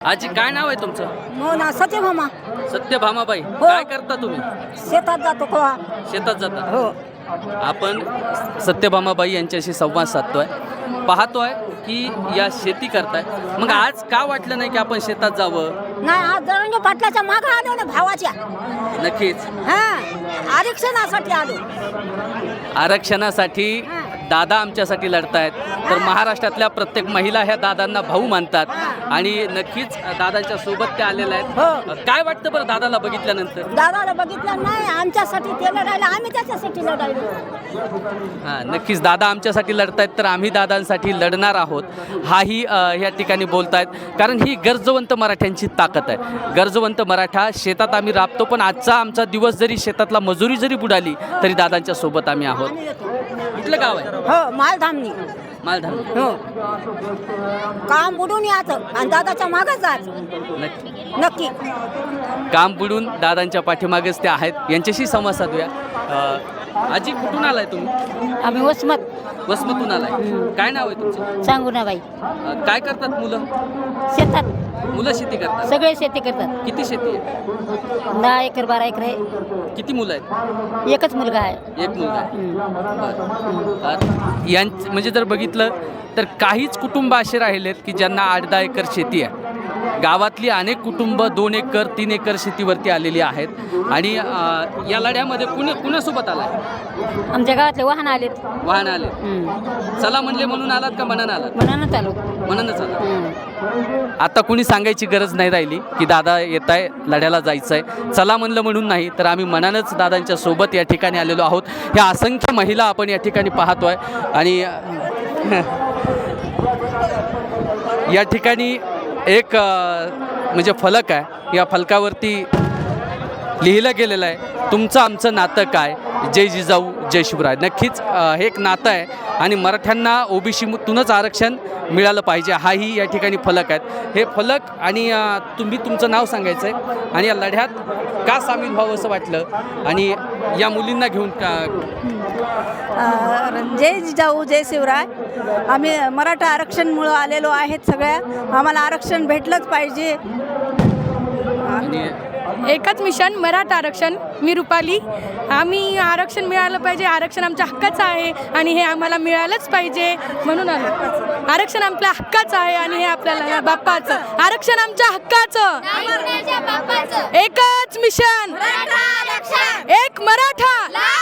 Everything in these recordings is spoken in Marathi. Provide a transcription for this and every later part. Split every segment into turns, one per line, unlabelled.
आजी काय नाव आहे तुमचं?
मोना सत्यभामा.
सत्यभामाबाई. काय करता तुम्ही?
शेतात जातो का?
शेतात जाता.
हो.
आपण सत्यभामाबाई यांच्याशी संवाद साधतोय, पाहतोय की या शेती करताय. मग आज का वाटलं नाही की आपण शेतात जावं?
नाही, आज जरंगे पाटलाच्या मागे आलो ना भावाच्या.
नक्कीच
हा, आरक्षणासाठी आलो.
आरक्षणासाठी दादा आमच्यासाठी लढतायत. तर महाराष्ट्रातल्या प्रत्येक महिला ह्या दादांना भाऊ मानतात आणि नक्कीच दादांच्या सोबत ते आलेल्या आहेत. काय वाटतं बरं दादाला बघितल्यानंतर?
दादाला बघितलं नाही, आमच्यासाठी ते लढायला, आम्ही त्याच्यासाठी लढायलो.
हां, नक्कीच दादा आमच्यासाठी लढतायत तर आम्ही दादांसाठी लढणार आहोत हाही ह्या ठिकाणी बोलतायत. कारण ही गरजवंत मराठ्यांची ताकद आहे. गरजवंत मराठा शेतात आम्ही राबतो, पण आजचा आमचा दिवस जरी शेतातला मजुरी जरी बुडाली तरी दादांच्या सोबत आम्ही आहोत. कुठलं गाव आहे?
हो, मालधामनी.
मालधाम.
हो, काम बुडून यायचं आणि दादाच्या मागच जायचं.
नक्की
नक्की.
काम बुडून दादांच्या पाठीमागेच ते आहेत. यांच्याशी संवाद साधूया. आजी कुठून आलाय तुम्ही?
आम्ही वसमत.
वसमतून आलाय. काय नाव आहे तुमचं?
सांगू ना बाई.
काय करतात मुलं?
शेतात
मुलं शेती करतात.
सगळे शेती करतात.
किती शेती आहे?
10 एकर 12 एकर आहे.
किती मुलं आहेत?
एकच मुलगा आहे.
एक मुलगा आहे. म्हणजे जर बघितलं तर काहीच कुटुंब असे राहिलेत की ज्यांना 8-10 एकर शेती आहे. गावातली अनेक कुटुंब 2 एकर 3 एकर शेतीवरती आलेली आहेत. आणि या लढ्यामध्ये कुणासोबत आलाय?
आमच्या गावातले वाहन आलेत.
वाहन आले. चला म्हणले म्हणून आलात का मनानं आलात?
मनानं चालू.
मनानंच आलात. आता कुणी सांगायची गरज नाही राहिली की दादा येत आहे, लढ्याला जायचं आहे. चला म्हणलं म्हणून नाही, तर आम्ही मनानंच दादांच्या सोबत या ठिकाणी आलेलो आहोत. ह्या असंख्य महिला आपण या ठिकाणी पाहतोय आणि या ठिकाणी एक म्हणजे फलक आहे. या फलकावरती लिहिलं गेलेलं आहे, तुमचं आमचं नातं काय, जय जिजाऊ जय शिवराय. नक्कीच हे एक नातं आहे आणि मराठ्यांना ओबीसीतूनच आरक्षण मिळालं पाहिजे हाही या ठिकाणी फलक आहेत. हे फलक आणि तुम्ही तुमचं नाव सांगायचं आहे आणि या लढ्यात का सामील व्हावं असं वाटलं आणि या मुलींना घेऊन
जय जिजाऊ जय शिवराय. आम्ही मराठा आरक्षणमुळं आलेलो आहेत. सगळ्या आम्हाला आरक्षण भेटलंच पाहिजे.
आणि
एकच मिशन मराठा आरक्षण. मी रुपाली. आम्ही आरक्षण मिळालं पाहिजे. आरक्षण आमच्या हक्काचं आहे आणि हे आम्हाला मिळालंच पाहिजे म्हणून आलो. आरक्षण आपल्या हक्काचं आहे आणि हे आपल्याला बाप्पाचं. आरक्षण आमच्या हक्काचं. एकच मिशन, एक मराठा.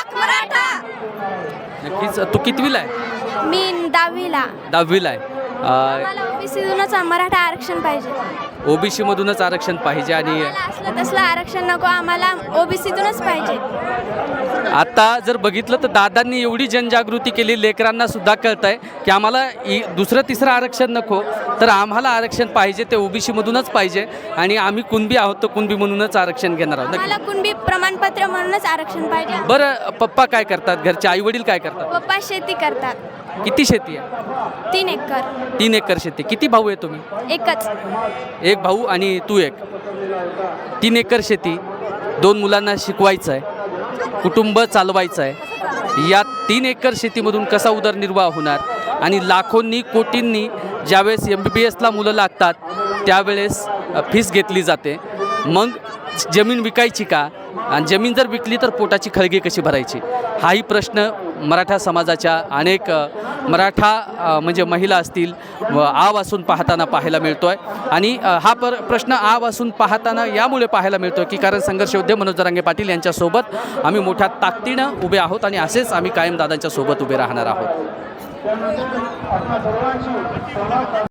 नक्कीच. तू कितवीला आहे?
मी 10वीला.
10वीला आहे.
ओबीसीतूनच मराठा आरक्षण पाहिजे.
ओबीसीमधूनच आरक्षण पाहिजे आणि
असलं तसलं आरक्षण नको, आम्हाला ओबीसीतूनच पाहिजे.
आता जर बघितलं तर दादांनी एवढी जनजागृती केली, लेकरांना सुद्धा कळत आहे की आम्हाला दुसरं तिसरं आरक्षण नको, तर आम्हाला आरक्षण पाहिजे ते ओबीसीमधूनच पाहिजे आणि आम्ही कुणबी आहोत तर कुणबी म्हणूनच आरक्षण घेणार आहोत.
आम्हाला कुणबी प्रमाणपत्र म्हणूनच आरक्षण पाहिजे.
बरं, पप्पा काय करतात? घरचे आई वडील काय करतात?
पप्पा शेती करतात.
किती शेती आहे?
3 एकर.
3 एकर शेती. किती भाऊ आहे तुम्ही?
एकच.
एक भाऊ आणि तू एक. 3 एकर शेती, 2 मुलांना शिकवायचं आहे, कुटुंब चालवायचं आहे. या 3 एकर शेतीमधून कसा उदरनिर्वाह होणार? आणि लाखोंनी कोटींनी ज्यावेळेस MBBSला मुलं लागतात त्यावेळेस फीस घेतली जाते. मग जमीन विकायची का? आणि जमीन जर विकली तर पोटाची खळगी कशी भरायची? हाही प्रश्न मराठा समाजाच्या अनेक मराठा म्हणजे महिला असतील आवासून पाहताना पाहायला मिळतो आहे. आणि हा प्रश्न आवासून पाहताना यामुळे पाहायला मिळतो की कारण संघर्ष योद्धे मनोज जरांगे पाटील यांच्यासोबत आम्ही मोठ्या ताकदीनं उभे आहोत आणि असेच आम्ही कायम दादांच्या सोबत उभे राहणार आहोत.